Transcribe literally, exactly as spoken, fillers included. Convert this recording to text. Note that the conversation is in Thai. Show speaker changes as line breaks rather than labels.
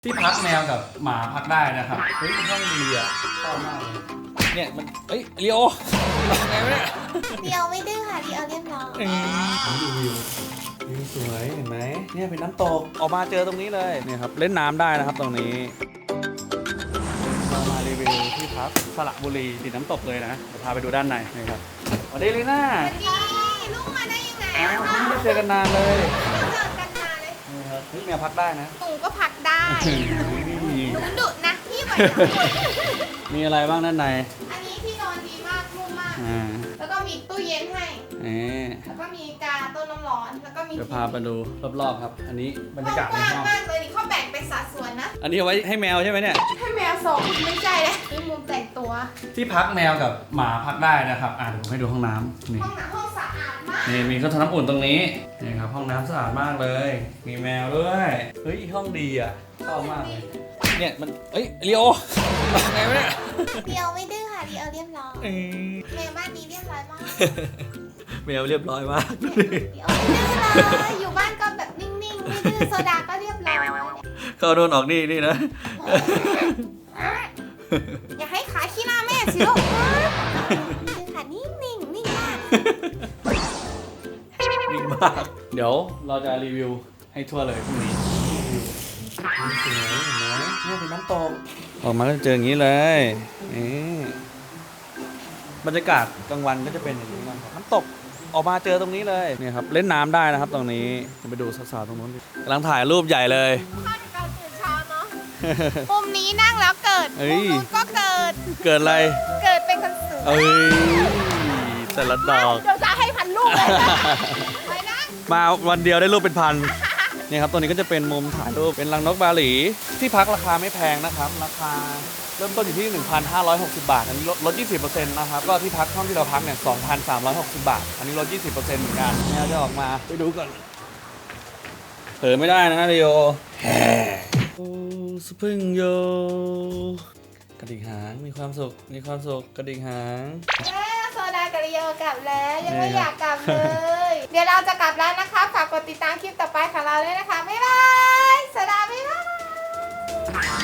ที่พักแมวกับหมาพักได้นะครับเฮ้ยห้องดีอ่ะชอบมากเลยเนี่ยมันเฮ้ยเลียวไงวะเนี่ย
เดียวไม่ดื้อค่ะเดียวเรียบร้อย
ผมดูวิววิวสวยเห็นไหมเนี่ยเป็นน้ำตกออกมาเจอตรงนี้เลยเนี่ยครับเล่นน้ำได้นะครับตรงนี้เรามารีวิวที่พักสระบุรีติดน้ำตกเลยนะเดี๋ยวพาไปดูด้านในนะครับสวัสดีลีน่า
นี่ลูกมาได้ยังไง
อ้าวไม่ได้เจอกันนานเลย
เจอกันมาเลย
นี่ครับนี่แมวพักได้นะ
หนูก็พักได้หนูดุนะพี่ไหว
มีอะไรบ้างด้านใน
อันนี้ที่นอนดีมากนุ่มมาก
อ่า
แล้วก็มีตู้เย็นให้
นี่
แล้วก็มีกาต้นน้ำร้อน แล้วก็มี
เดี๋ยวพาไปดูรอบๆครับ อันนี้บรรยากาศใน
กว้าง
ห้อง
มากเลยนี่เขาแบ่งเป็นสัดส่วนนะ
อันนี้เอาไว้ให้แมวใช่ไหมเนี่ย
ให้แมวสองไม่ใช่เลยนี่มุมแต่งตัว
ที่พักแมวกับหมาพักได้นะครับอ่าเดี๋ยวผมให้ดูห้องน้ำนี่
ห้องน้ำห้องสะอาดมาก
นี่มีเครื่องทำน้ำอุ่นตรงนี้นี่ครับห้องน้ำสะอาดมากเลย มีแมวด้วยเฮ้ยห้องดีอ่ะชอบมากเลยเนี่ยมันเอ้ยเลียวไงวะเนี่ย
เดียวไม่ดื้อค่ะเดียวเรียบร้อย
เอ้ย
แมวบ้านนี้เรียบร้อยมาก
แมวเรียบร้อยมาก
เดี๋ยวไม่ดื้อเลยอยู่บ้านก็แบบนิ่งๆ ไม่ดื้อโซดาก็เรียบร้อย
เข้าโดนออกนี่นี่นะ
อย่าให้ขาขี้หน้าแม่สิลูกดื้อค่ะนิ่งๆ นิ่งมาก
นิ่งมากเดี๋ยวเราจะรีวิวให้ทั่วเลยพรุ่งนี้สวยเห็นไหมเนี่ยเป็นน้ำตกออกมาก็เจออย่างนี้เลยนี่บรรยากาศกลางวันก็จะเป็นอย่างนี้นะครับน้ำตกออกมาเจอตรงนี้เลยเนี่ยครับเล่นน้ำได้นะครับตรงนี้ไปดูสาวๆตรงนู้นกำลังถ่ายรูปใหญ่เลย
ข้าวจากการตื่นเช้าเนาะมุมนี้นั่งแล้วเกิด
เอ้
มุม
ย
นู้นก็เกิด
เกิดอะไร
เกิดเป็นคนสวย
เอ้ยแต่ละดอก
เดี๋ยวจะให้พันลูกเลยไปนะ
มาวันเดียวได้รูปเป็นพันเนี่ยครับตัวนี้ก็จะเป็นมุมถ่ายรูปเป็นรังนกบาหลีที่พักราคาไม่แพงนะครับราคาเริ่มต้นอยู่ที่ หนึ่งพันห้าร้อยหกสิบบาทอันนี้ลดลด ยี่สิบเปอร์เซ็นต์ นะครับก็ที่พักห้องที่เราพักเนี่ย สองพันสามร้อยหกสิบบาทอันนี้ลด ยี่สิบเปอร์เซ็นต์ เหมือนกันแมวจะออกมาไปดูก่อนเผลอไม่ได้นะเรโอแฮ่โอ้สปริงโยกระดิกหางมีความสุขมีความสุขกระดิกหาง
เอ้ยโซดากับริโอกลับแล้วยังไม่อยากกลับเลย เดี๋ยวเราจะกลับแล้วนะคะฝากกดติดตามคลิปต่อไปของเราด้วยนะคะบ๊ายบายโซดาบ๊ายบาย